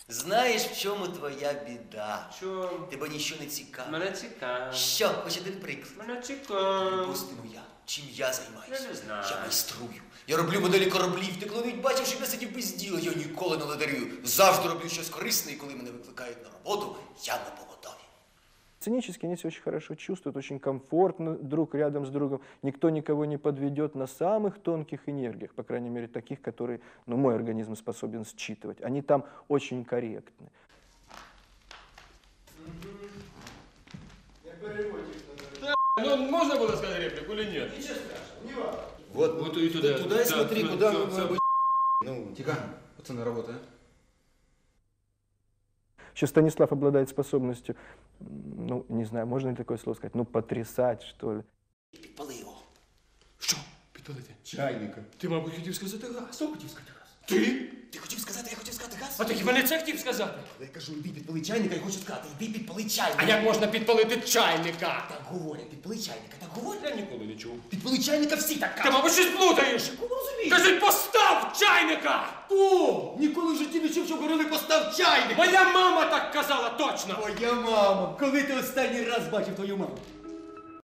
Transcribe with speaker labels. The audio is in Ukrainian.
Speaker 1: Знаєш, в чому твоя біда?
Speaker 2: Що?
Speaker 1: Тебе нічого не цікавить.
Speaker 2: Мене цікаво.
Speaker 1: Що? Хоч один приклад.
Speaker 2: Мене цікаво.
Speaker 1: Припустимо я. Чим я займаюся?
Speaker 2: Я не знаю.
Speaker 1: Я майструю. Я роблю моделі кораблів. Ти коли бачив, що я сидів без діла, я ніколи не ледарюю. Завжди роблю щось корисне, і коли мене викликають на роботу, я на поготові.
Speaker 3: Сценически они себя очень хорошо чувствуют, очень комфортно друг рядом с другом. Никто никого не подведет на самых тонких энергиях, по крайней мере, таких, которые мой организм способен считывать. Они там очень корректны.
Speaker 4: Ну, можно было сказать реплику или нет?
Speaker 5: Вот
Speaker 4: и туда.
Speaker 5: Туда и смотри,
Speaker 4: да,
Speaker 5: куда
Speaker 4: всё,
Speaker 5: мы
Speaker 4: всё.
Speaker 5: Ну, тихо, пацаны, работа, а?
Speaker 3: Еще Станислав обладает способностью, не знаю, можно ли такое слово сказать, потрясать, что ли.
Speaker 1: Підпали його.
Speaker 4: Що? Підпалити?
Speaker 5: Чайника.
Speaker 4: Ти, мабуть, хотів сказати газ.
Speaker 5: Хто хотів сказати раз?
Speaker 4: Ти?
Speaker 1: Ти хотів сказати, я хотів сказати газ?
Speaker 4: А ти хіба не це хотів сказати?
Speaker 1: Я кажу, іди підпали чайника, я хочу сказати, іди підпали чайника.
Speaker 4: А як можна підпалити чайника?
Speaker 1: Так говорять, підпали чайника, так говорять.
Speaker 4: Я ніколи не чув.
Speaker 1: Підпали чайника всі так
Speaker 4: Ти,
Speaker 1: кажуть.
Speaker 4: мабуть, щось плутаєш.
Speaker 1: Кому розумієш?
Speaker 4: Кажуть, постав чайника!
Speaker 5: О, ніколи в житті не чув, що говорили постав чайник.
Speaker 4: Моя мама так казала точно!
Speaker 5: Моя мама, коли ти останній раз бачив твою маму?